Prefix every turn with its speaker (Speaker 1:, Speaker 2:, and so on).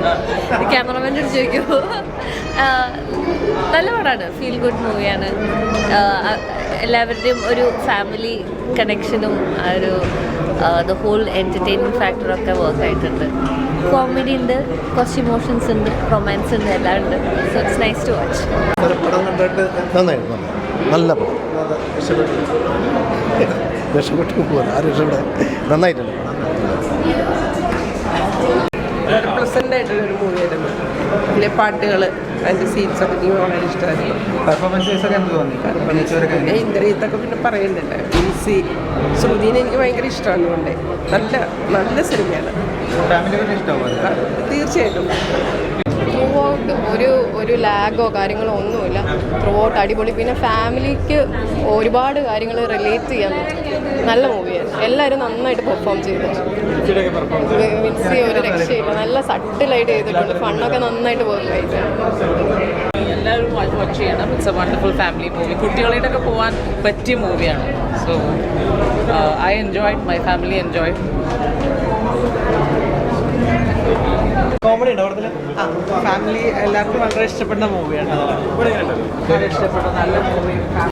Speaker 1: ക്യാമറമാൻ്റെ അടുത്ത് ചോദിക്കുമോ? നല്ല പടമാണ്, ഫീൽ ഗുഡ് മൂവിയാണ്. എല്ലാവരുടെയും ഒരു ഫാമിലി കണക്ഷനും ആ ഒരു ദ ഹോൾ എൻ്റർടൈൻമെൻറ്റ് ഫാക്ടറൊക്കെ വർക്ക് ആയിട്ടുണ്ട്. കോമഡി ഉണ്ട്, കുറച്ച് ഇമോഷൻസ് ഉണ്ട്, റൊമാൻസ് ഉണ്ട്, എല്ലാം ഉണ്ട്. So it's nice to watch.
Speaker 2: നന്നായിരുന്നു, നല്ല പടം. രക്ഷപ്പെട്ടു പോകാൻ ആരും രക്ഷപ്പെടാൻ നന്നായിട്ടുണ്ട്.
Speaker 3: പ്ലസൻ്റ് ആയിട്ടുള്ളൊരു മൂവിയായിരുന്നു. പിന്നെ പാട്ടുകൾ, അതിൻ്റെ സീൻസൊക്കെ എനിക്ക് വളരെ ഇഷ്ടമായിരുന്നു.
Speaker 4: പെർഫോമൻസൊക്കെ എന്ത് തോന്നി?
Speaker 3: ഇന്ദ്രിയത്തൊക്കെ പിന്നെ പറയുന്നില്ല. ഈസി ശ്രുതിനെ എനിക്ക് ഭയങ്കര ഇഷ്ടമാണ്. കൊണ്ട് നല്ല നല്ല സിനിമയാണ്.
Speaker 4: ഫാമിലിക്ക് ഇഷ്ടമാവും
Speaker 3: തീർച്ചയായിട്ടും.
Speaker 5: ത്രൂ ഔട്ട് ഒരു ലാഗോ കാര്യങ്ങളോ ഒന്നുമില്ല. ത്രൂ ഔട്ട് അടിപൊളി. പിന്നെ ഫാമിലിക്ക് ഒരുപാട് കാര്യങ്ങൾ റിലേറ്റ് ചെയ്യാൻ പറ്റും. നല്ല മൂവിയാണ്. എല്ലാവരും നന്നായിട്ട് പെർഫോം ചെയ്തു. മിക്സി ഒരു രക്ഷയില്ല, നല്ല സട്ടിലായിട്ട് ചെയ്തിട്ടുണ്ട്. ഫണ്ണൊക്കെ നന്നായിട്ട് വർക്ക് ആയിട്ട്
Speaker 6: എല്ലാവരും വാച്ച് ചെയ്യണം. It's a wonderful family movie. കുട്ടികളായിട്ടൊക്കെ പോകാൻ പറ്റിയ മൂവിയാണ്. So I enjoy, my family enjoy.
Speaker 4: Comedy ഉണ്ടോ അവിടെ?
Speaker 3: ഫാമിലി എല്ലാവർക്കും വളരെ ഇഷ്ടപ്പെടുന്ന മൂവിയാണ്.
Speaker 6: ഇഷ്ടപ്പെട്ട നല്ല മൂവി.